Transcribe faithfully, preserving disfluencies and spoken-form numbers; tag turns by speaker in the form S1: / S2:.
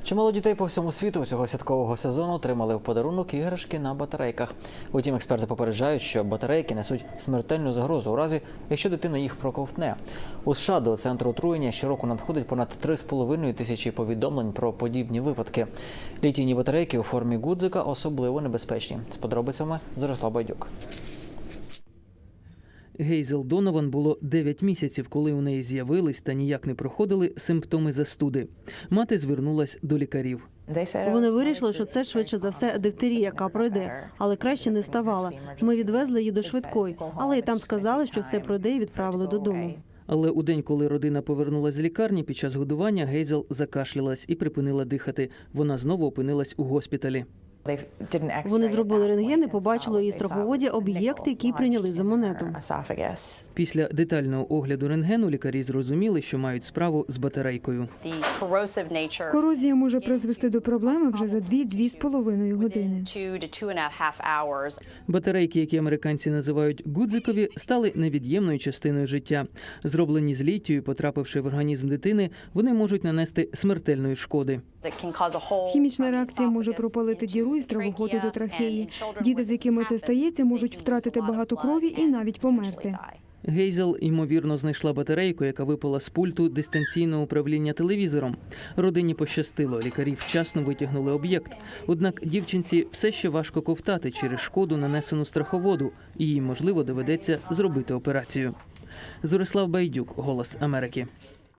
S1: Чимало дітей по всьому світу цього святкового сезону отримали в подарунок іграшки на батарейках. Утім, експерти попереджають, що батарейки несуть смертельну загрозу у разі, якщо дитина їх проковтне. У США до центру отруєння щороку надходить понад три з половиною тисячі повідомлень про подібні випадки. Літійні батарейки у формі гудзика особливо небезпечні. З подробицями Зорислав Байдюк.
S2: Гейзел Донован було дев'ять місяців, коли у неї з'явились та ніяк не проходили симптоми застуди. Мати звернулась до лікарів.
S3: Вони вирішили, що це швидше за все дифтерія, яка пройде, але краще не ставала. Ми відвезли її до швидкої, але і там сказали, що все пройде і відправили додому.
S2: Але у день, коли родина повернулась з лікарні, під час годування Гейзел закашлялась і припинила дихати. Вона знову опинилась у госпіталі.
S3: Вони зробили рентген і побачили у її страховоді об'єкти, які прийняли за монету.
S2: Після детального огляду рентгену лікарі зрозуміли, що мають справу з батарейкою.
S4: Корозія може призвести до проблеми вже за дві-дві з половиною години.
S2: Батарейки, які американці називають гудзикові, стали невід'ємною частиною життя. Зроблені з літію, потрапивши в організм дитини, вони можуть нанести смертельної шкоди.
S4: Хімічна реакція може пропалити діру із травоходу до трахеї. Діти, з якими це стається, можуть втратити багато крові і навіть померти.
S2: Гейзел, ймовірно, знайшла батарейку, яка випала з пульту дистанційного управління телевізором. Родині пощастило, лікарі вчасно витягнули об'єкт. Однак дівчинці все ще важко ковтати через шкоду, нанесену страховоду, і їй, можливо, доведеться зробити операцію. Зорислав Байдюк, «Голос Америки».